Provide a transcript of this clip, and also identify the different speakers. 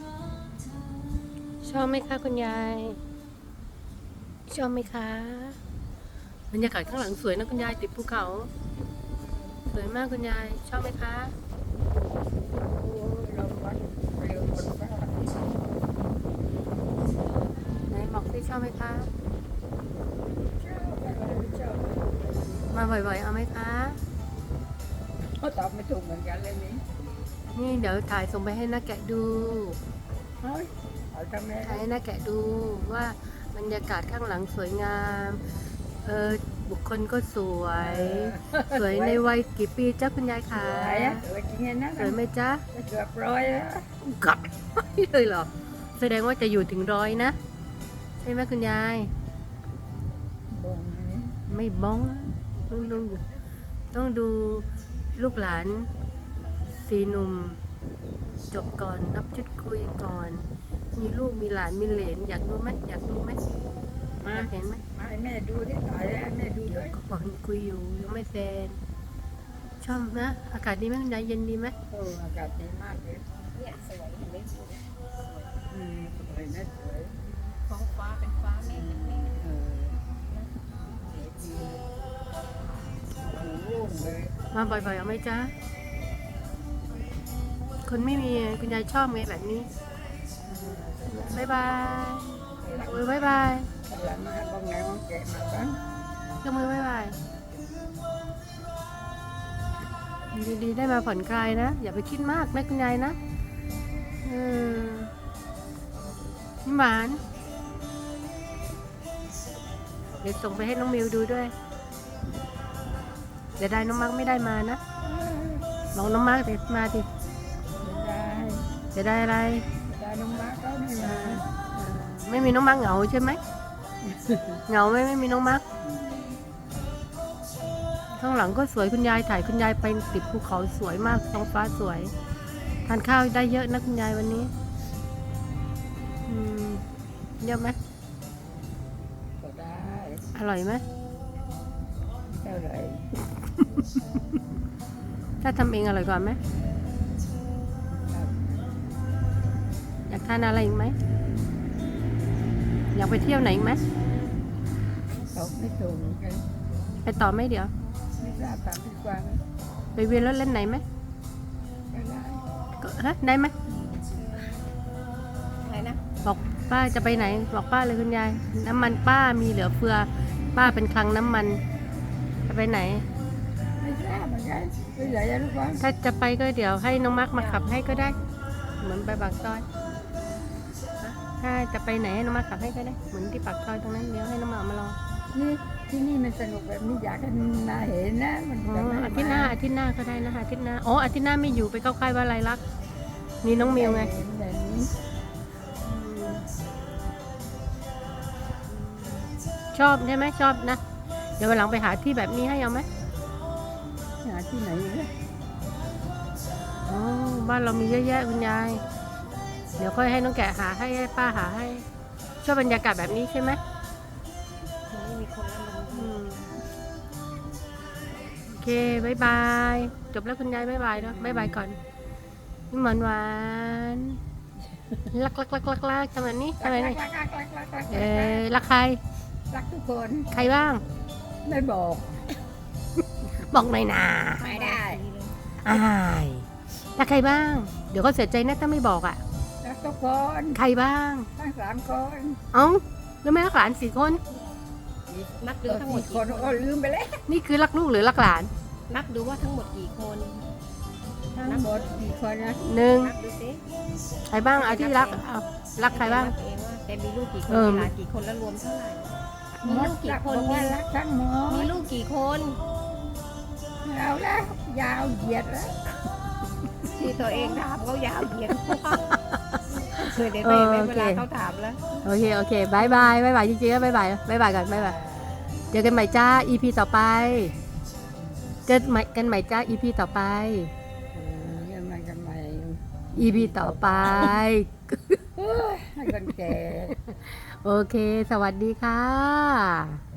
Speaker 1: ชอบไหมคะคุณยายชอบไหมคะบรรยากาศข้างหลังสวยนะคุณยายติดภูเขาสวยมากคุณยายชอบไหมคะไหนบอกสิชอบไหมคะมาบ่อยๆเอาไหมคะ
Speaker 2: เขาตอบไม่ถูกเหมือนกันเลยนี่
Speaker 1: นี่เดี๋ยวถ่ายส่งไปให้น้าแกะดู
Speaker 2: เฮ้ยเอาทำไม
Speaker 1: ถ่ายให้น้าแกะดูว่าบรรยากาศข้างหลังสวยงามบุคคลก็สวยสวยในวัยกี่ปีจ้าคุณยายคะ
Speaker 2: สวยอะสวยจริงๆนะ
Speaker 1: สวยไหมจ๊ะ
Speaker 2: เกือบร้อยแล้ว
Speaker 1: กัดเลยเหรอแสดงว่าจะอยู่ถึง100นะใช่ไหมคุณยาย
Speaker 2: บ่งนี่
Speaker 1: ไม่บ้องต้องดูลูกหลาน4 หนุ่มจบก่อนนับชุดคุยก่อนมีลูกมีหลานมีเหลนอยากดูไหมอยากดูไหมอยากเห็นไหม
Speaker 2: มาให้แม่ดูดิตายแล้วแม่ดูด้วย
Speaker 1: ก็บอกคุยอยู่ยังไม่เสร็จชอบนะอากาศดีไหมคุณยายเย็นดีไหม
Speaker 2: อากาศดีมากเลย
Speaker 3: เนี่ยสวยเห็นไหมสวย
Speaker 2: สวยนะสวย
Speaker 3: ท้องฟ้าเป็นฟ้าเมฆเป็นเมฆ
Speaker 2: สวยดีโอ้โหเลย
Speaker 1: มาบ่อยๆเอาไหมจ๊ะคนไม่มีคุณยายชอบไงแบบนี้บายบายโอ้ยบายบาย
Speaker 2: หลังมาบ้องไหนบ้องแกะมาบ้าง
Speaker 1: ยกมือบายบายดีๆได้มาผ่อนคลายนะอย่าไปคิดมากนะคุณยายนะนี่หวานเดี๋ยวส่งไปให้น้องมิวดูด้วยเดี๋ยวได้น้องมาร์กไม่ได้มานะบอกน้องมาร์กเดี๋ยวมาดิ
Speaker 2: ได้
Speaker 1: จะได้อะไร
Speaker 2: ได้น้องบ้าก็ไม่มา
Speaker 1: ไม่มีน้องมาร์กเหงาใช่ไหมเหงาไหมไม่มีน้องมาร์กข้างหลังก็สวยคุณยายถ่ายคุณยายไปติดภูเขาสวยมากท้องฟ้าสวยทานข้าวได้เยอะนะคุณยายวันนี้เยอะไหม
Speaker 2: ก็ได้
Speaker 1: อร่อยไหม
Speaker 2: เท่าไหร่
Speaker 1: ถ้าทำเองอร่อยกว่าไหมอยากทานอะไรอีกไหมอยากไปเที่ยวไหนอีกไหม
Speaker 2: ตอบไม่ถูกเหมือนกัน
Speaker 1: ไปต่อไหมเดี๋ยว
Speaker 2: ไม่ทราบตามที่กวาง
Speaker 1: ไปเวียนรถเล่นไหนไหม
Speaker 2: ก็ได้
Speaker 1: ได้ไหม
Speaker 3: อะไรนะ
Speaker 1: บอกป้าจะไปไหนบอกป้าเลยคุณยายน้ำมันป้ามีเหลือเฟือป้าเป็นคลังน้ำมันจะไปไหน
Speaker 2: ไม่ทราบเหมือนกันไม่ใหญ่ยังลูกบ้าง
Speaker 1: ถ้าจะไปก็เดี๋ยวให้น้องมาร์กมาขับให้ก็ได้เหมือนไปปากซอยถ้าจะไปไหนให้น้องมาร์กขับให้ก็ได้เหมือนที่ปากซอยตรงนั้นเดี๋ยวให้น้องมาร์กมารอ
Speaker 2: นี่ที่นี่มันสนุกแบบนี้อยากให้มาเห็นนะมัน
Speaker 1: อ๋
Speaker 2: จะไม่
Speaker 1: ออาทิตย์หน้าก็ได้นะคะอาทิตย์หน้าอาทิตย์หน้าไม่อยู่ไปเข้าค่ายว่าไรลักษณ์มีน้องมิวไง
Speaker 2: เห็นแบบนี้
Speaker 1: ชอบใช่ไหมชอบนะเดี๋ยววันหลังไปหาที่แบบนี้ให้เอาไหม
Speaker 2: หาที่ไหนเนี่ย
Speaker 1: อ๋อบ้านเรามีเยอะแยะคุณยายเดี๋ยวค่อยให้น้องแกะหาให้ป้าหาให้ชอบบรรยากาศแบบนี้ใช่ไหม
Speaker 3: ไม่มีคนละลง
Speaker 1: โอเคบายบายจบแล้วคุณยายบายบายเนาะบายบายก่อนนี่หวานหวานรักทำแบบนี้ทำแบบนี้รักใคร
Speaker 2: รักทุกคน
Speaker 1: ใครบ้าง
Speaker 2: ไม่บอก
Speaker 1: บอกหน่อยนะ
Speaker 2: ไม่ได้
Speaker 1: อายรักใครบ้าง เดี๋ยวก็เสียใจนะถ้าไม่บอกอ่ะ
Speaker 2: รักทุกคน
Speaker 1: ใครบ้าง
Speaker 2: ทั้ง3 คน
Speaker 1: เอ้าแล้วไม่รักหลาน4 คน
Speaker 3: นับดูทั้งหมด
Speaker 2: 4 ค
Speaker 3: กี่
Speaker 2: น
Speaker 3: ค
Speaker 2: ก็
Speaker 3: น
Speaker 2: ลืมไปแล้ว
Speaker 1: นี่คือรักลูกหรือรักหลาน
Speaker 3: นับดูว่าทั้งหมดกี่คน
Speaker 2: ทั้งหมดกี่คนนะ
Speaker 1: หนึ่ง
Speaker 3: นับดูสิ
Speaker 1: ใครบ้างเอาที่รักเอารักใครบ้าง
Speaker 3: นับเองว่าแกมีลูกกี่คน
Speaker 1: เออ
Speaker 3: มีหลานกี่คนแล้วรวมเท่าไหร่ มีลูกกี่คน
Speaker 2: บอกว่ารักทั้งหมด
Speaker 3: มีลูกกี่คน
Speaker 2: เอาแล้วยาวเหยียดแล้ว
Speaker 3: ที่ตัวเองถามเขายาวเหยียดเคยได้ไปเวลาเขาถามแล้ว
Speaker 1: โอเคบายบายจริงๆแล้วบายบายก่อนบายบายเจอกันใหม่จ้า EP ต่อไปเจอกันใหม่จ้า EP ต่อไป
Speaker 2: ยังไงกันใหม่
Speaker 1: EP ต่อไป
Speaker 2: ให้คนแก่
Speaker 1: โอเค สวัสดีค่ะ